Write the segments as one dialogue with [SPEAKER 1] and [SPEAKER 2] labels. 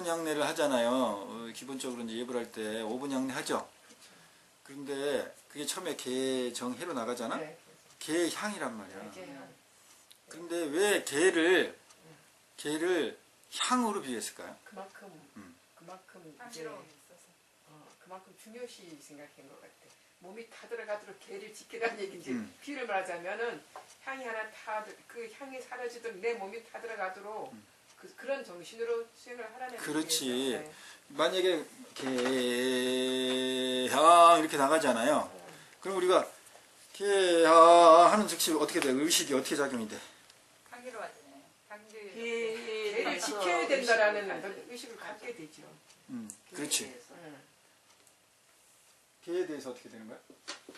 [SPEAKER 1] 5분 향내를 하잖아요. 기본적으로 이제 예불 할 때 5분 향내 하죠. 그런데 그게 처음에 개정해로 나가잖아.
[SPEAKER 2] 네.
[SPEAKER 1] 개 향이란 말이야.
[SPEAKER 2] 네.
[SPEAKER 1] 그런데 왜 개를 향으로 비교했을까요?
[SPEAKER 2] 그만큼 이제 그만큼 중요시 생각한 것 같아. 몸이 다 들어가도록 개를 지키라는 얘기인지 비유를 말하자면은 향이 하나 그 향이 사라지도록 내 몸이 다 들어가도록 그런 정신으로 수행을 하라는
[SPEAKER 1] 그렇지.
[SPEAKER 2] 얘기예요. 네.
[SPEAKER 1] 만약에 개향 이렇게 나가잖아요. 그럼 우리가 개향 하는 즉시 어떻게 돼? 의식이 어떻게 작용이 돼?
[SPEAKER 3] 향기로 하잖아요. 향기.
[SPEAKER 2] 개를 지켜야 된다라는 의식을 갖게 되죠.
[SPEAKER 1] 그렇지. 개에 대해서 어떻게 되는 거야?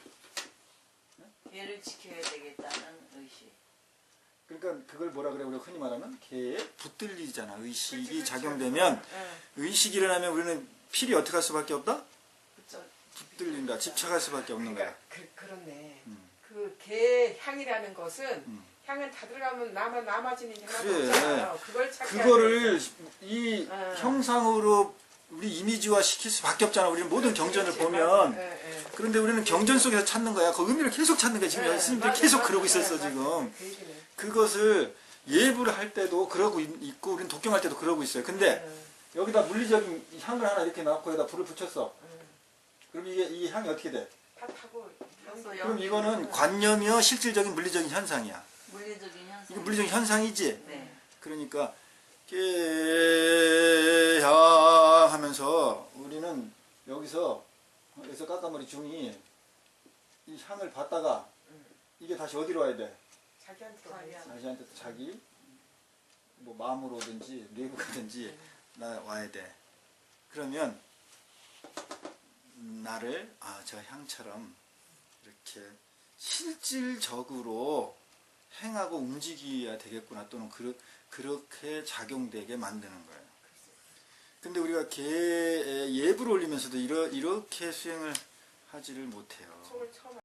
[SPEAKER 3] 개를 지켜야 되겠다는 의식.
[SPEAKER 1] 그러니까 그걸 뭐라 그래? 우리가 흔히 말하면 개에 붙들리잖아. 의식이
[SPEAKER 2] 그렇지.
[SPEAKER 1] 작용되면 의식이 일어나면 우리는 필이 어떻게 할 수밖에 없다?
[SPEAKER 2] 그렇죠.
[SPEAKER 1] 붙들린다. 집착할 수밖에 없는 거야.
[SPEAKER 2] 그렇네. 그 개 향이라는 것은 향은 다 들어가면 남아지는 게 하나도
[SPEAKER 1] 그래.
[SPEAKER 2] 없잖아요. 그걸 찾게
[SPEAKER 1] 그거를 이 형상으로 우리 이미지화 시킬 수밖에 없잖아. 우리는 모든 경전을 보면. 그런데 우리는 경전 속에서 찾는 거야. 그 의미를 계속 찾는 거야. 지금 스님들이 계속 그러고 있었어 지금. 그것을 예불을 할 때도 그러고 있고 우리는 독경할 때도 그러고 있어요. 근데 여기다 물리적인 향을 하나 이렇게 넣고 여기다 불을 붙였어. 그럼 이 향이 어떻게 돼?
[SPEAKER 2] 다 타고
[SPEAKER 1] 그럼 이거는 관념이요 실질적인 물리적인 현상이야.
[SPEAKER 3] 물리적인 현상.
[SPEAKER 1] 이거 물리적인 현상이지?
[SPEAKER 3] 네.
[SPEAKER 1] 그러니까 깨향 하면서 우리는 여기서 까까머리 중이 이 향을 받다가 이게 다시 어디로 와야 돼? 자기한테 자기 뭐 마음으로든지 뇌부가든지 와야 돼. 그러면 나를 저 향처럼 이렇게 실질적으로 행하고 움직여야 되겠구나 또는 그렇게 작용되게 만드는 거예요. 근데 우리가 예불을 올리면서도 이렇게 수행을 하지를 못해요.